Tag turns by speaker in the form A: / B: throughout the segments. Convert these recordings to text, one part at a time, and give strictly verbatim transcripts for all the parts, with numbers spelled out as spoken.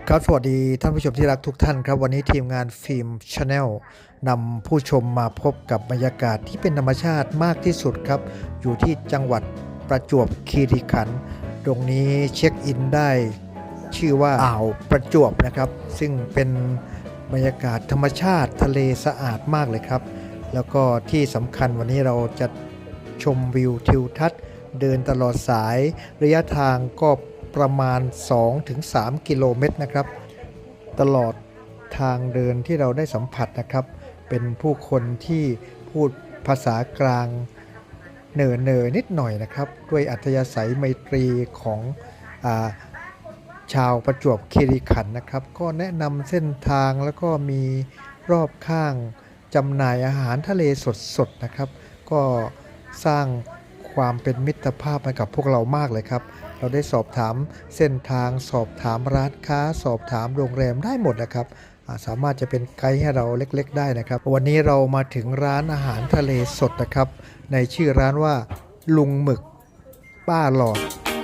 A: ครับสวัสดีท่านผู้ชมที่รักทุกท่านครับวันนี้ทีมงานฟิล์มชาแนลนำผู้ชมมาพบกับบรรยากาศที่เป็นธรรมชาติมากที่สุดครับอยู่ที่จังหวัดประจวบคีรีขันธ์ตรงนี้เช็คอินได้ชื่อว่าอ่าวประจวบนะครับซึ่งเป็นบรรยากาศธรรมชาติทะเลสะอาดมากเลยครับแล้วก็ที่สำคัญวันนี้เราจะชมวิวทิวทัศน์เดินตลอดสายระยะทางก็ประมาณ สองถึงสาม กิโลเมตรนะครับตลอดทางเดินที่เราได้สัมผัสนะครับเป็นผู้คนที่พูดภาษากลางเน่อเนอนิดหน่อยนะครับด้วยอัธยาศัยไมตรีของอาชาวประจวบคีรีขันธ์นะครับก็แนะนำเส้นทางแล้วก็มีรอบข้างจำหน่ายอาหารทะเลสดๆนะครับก็สร้างความเป็นมิตรภาพให้กับพวกเรามากเลยครับเราได้สอบถามเส้นทางสอบถามร้านค้าสอบถามโรงแรมได้หมดนะครับสามารถจะเป็นไกด์ให้เราเล็กๆได้นะครับวันนี้เรามาถึงร้านอาหารทะเลสดนะครับในชื่อร้านว่าลุงหมึกป้าหลอด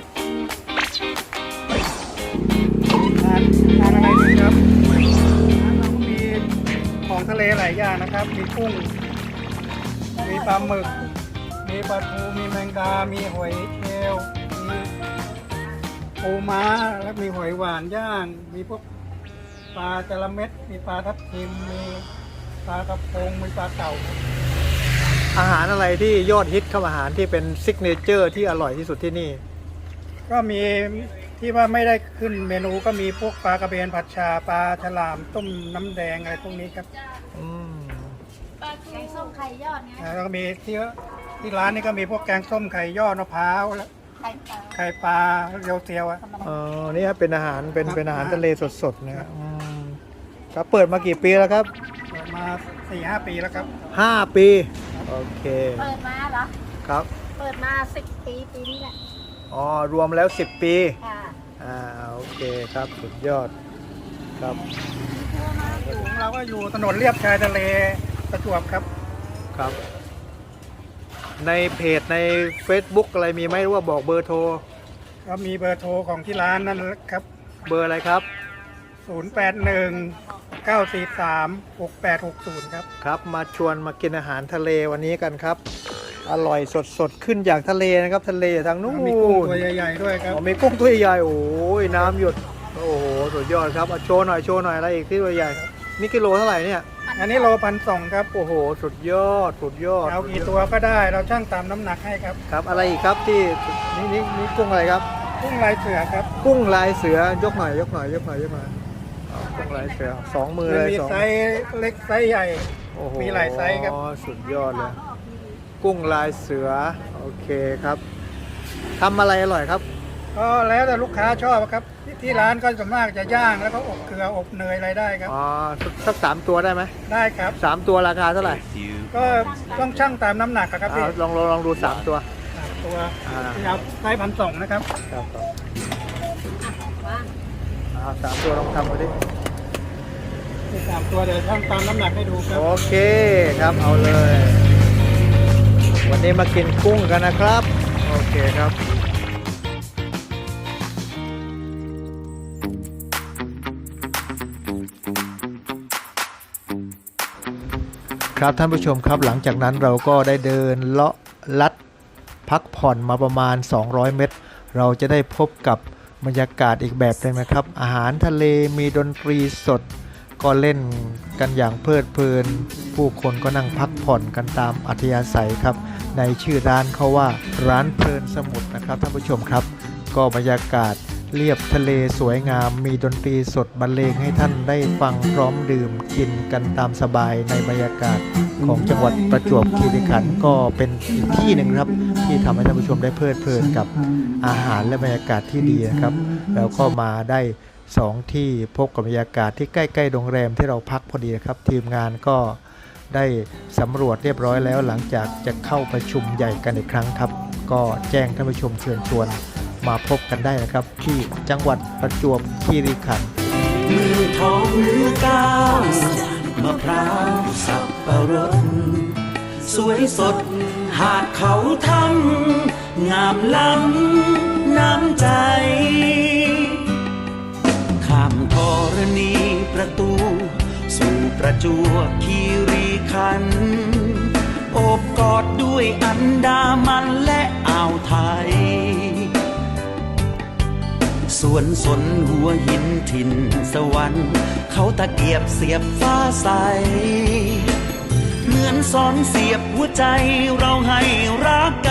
B: ทานทานอะไรดีครับร้านเราก็มีของทะเลหลายอย่างนะครับมีกุ้งมีปลาหมึกมีปลาทูมีแมงดามีหอยเชลล์มีปูม้าและมีหอยหวานย่างมีพวกปลาจระเม็ดมีปลาทับทิมมีปลากระพงมีปลาเต่า
A: อาหารอะไรที่ยอดฮิตครับอาหารที่เป็นซิกเนเจอร์ที่อร่อยที่สุดที่นี่
B: ก็มีที่ว่าไม่ได้ขึ้นเมนูก็มีพวกปลากระเบนผัดชาปลาฉลามต้มน้ำแดงอะไรพวกนี้ครับ
A: อืม
C: ปลาแกงส้มไข่ยอดไง
B: แล้วก็มีที่ที่ร้านนี้ก็มีพวกแกงส้มไข่ยอดมะพร้าวแล้ว
C: ไข่ปลา
B: ไข่ปลาเรียวเตียวอ่ะ
A: อ๋อนี่ครับเป็นอาหารเป็นเป็นอาหารทะเลสดๆนะครับเปิดมากี่ปีแล้วครับ
B: เปิดมาสี่ห้าปีแล้วครับ
A: ห้าปีโอเค
C: เปิดมาเหรอ
A: ครับ
C: เปิดมาสิบปีปีนี้แหละ
A: อ๋อรวมแล้วสิบปี
C: ค่ะ
A: อ่าโอเคครับสุดยอดครับ
B: ของเราก็อยู่ถนนเลียบชายทะเลประจวบครับ
A: ครับในเพจใน Facebook อะไรมีไหมหรือว่าบอกเบอร์โทร
B: ก็มีเบอร์โทรของที่ร้านนั่นครับ
A: เบอร์อะไรครับ
B: ศูนย์ แปด หนึ่ง เก้า สี่ สาม หก แปด หก ศูนย์ครับ
A: ครับมาชวนมากินอาหารทะเลวันนี้กันครับอร่อยสดๆขึ้นจากทะเลนะครับทะเลทางนู้น
B: มีกุ้งตัวใหญ่ๆด้วยครับ
A: มีกุ้งตัวใหญ่โอ้ยน้ำหยดโอ้โหสุดยอดครับโชว์หน่อยโชว์หน่อยอะไรอีกที่ตัวใหญ่นี่กิโลเท่าไหร่เนี่ย
B: อันนี้โลพันสองครับ
A: โอ้โหสุดยอดสุดยอด
B: เอากี่ตัวก็ได้เราช่างตามน้ำหนักให้ครับ
A: ครับอะไรอีกครับที่นี่นี่นี่กุ้งอะไรครับ
B: กุ้งลายเสือครับ
A: กุ้งลายเสือยกหน่อยยกหน่อยยกหน่อยยกหน่อยกุ้งลายเสือสองมือเลย
B: มีไซส์เล็กไซส์ใหญ่มีหลายไซส์ครับ
A: อ๋อสุดยอดเลยกุ้งลายเสือโอเคครับทำอะไรอร่อยครับ
B: ก็แล้วแต่ลูกค้าชอบครับที่ร้านก็ส่วนมากจะย่างแล้วก็อบเกลืออบเนยอะไรได้ครับ
A: อ๋อสักสามตัวได้ไหม
B: ได้ครับ
A: สามตัวราคาเท่าไหร่
B: ก็ต้องชั่งตามน้ำหนักครับพี่
A: ลองลองลองดูสามตัว
B: สามตัวที่เอาไซส์พันสองนะครับ
A: ครับครับสามตัวลองทำมาดิ
B: สามตัวเดี๋ยวชั่งตามน้ำหนักให้ดูครับ
A: โอเคครับเอาเลยวันนี้มากินกุ้งกันนะครับโอเคครับครับท่านผู้ชมครับหลังจากนั้นเราก็ได้เดินเลาะลัดพักผ่อนมาประมาณสองร้อยเมตรเราจะได้พบกับบรรยากาศอีกแบบนึงนะครับอาหารทะเลมีดนตรีสดก็เล่นกันอย่างเพลิดเพลินผู้คนก็นั่งพักผ่อนกันตามอัธยาศัยครับในชื่อร้านเขาว่าร้านเพลินสมุทรนะครับท่านผู้ชมครับก็บรรยากาศเรียบทะเลสวยงามมีดนตรีสดบรรเลงให้ท่านได้ฟังพร้อมดื่มกินกันตามสบายในบรรยากาศของจังหวัดประจวบคีรีขันธ์ก็เป็นอีกที่หนึ่งครับที่ทำให้ท่านผู้ชมได้เพลิดเพลินกับอาหารและบรรยากาศที่ดีนะครับแล้วก็มาได้สองที่พบกับบรรยากาศที่ใกล้ๆโรงแรมที่เราพักพอดีครับทีมงานก็ได้สำรวจเรียบร้อยแล้วหลังจากจะเข้าประชุมใหญ่กันอีกครั้งครับก็แจ้งท่านผู้ชมเชิญชวนมาพบกันได้นะครับที่จังหวัดประจวบคีรีขันธ์
D: มือทองมือก้าวมะพร้าวสับปะรดสวยสดหาดเขาทำงามล้ำน้ำใจข้ามทอประจวบคีรีขันธ์โอบกอดด้วยอันดามันและอ่าวไทยสวนสนหัวหินถิ่นสวรรค์เขาตะเกียบเสียบฟ้าใสเหมือนสอนเสียบหัวใจเราให้รัก